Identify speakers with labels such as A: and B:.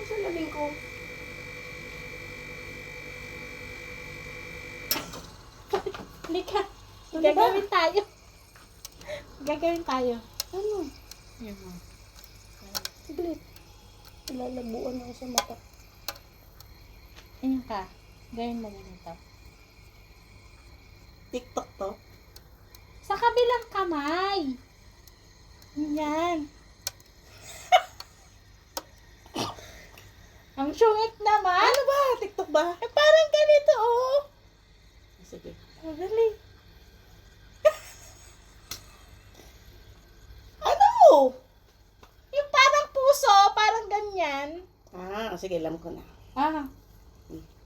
A: Salamin ko.
B: Halika.
A: Ano
B: Gagawin tayo. Gagawin tayo.
A: Ano?
B: Yan mo.
A: Saglit. Lalabuan ako sa mata.
B: Ganyan ka. Gawin mo ganito.
A: TikTok to?
B: Sa kabilang kamay. Yan. Ang sungit naman.
A: Ano ba? TikTok ba?
B: Eh, parang ganito, oh.
A: Sige.
B: Oh, dali.
A: Ano?
B: Yung parang puso, parang ganyan.
A: Ah, sige, alam ko na.
B: Ah.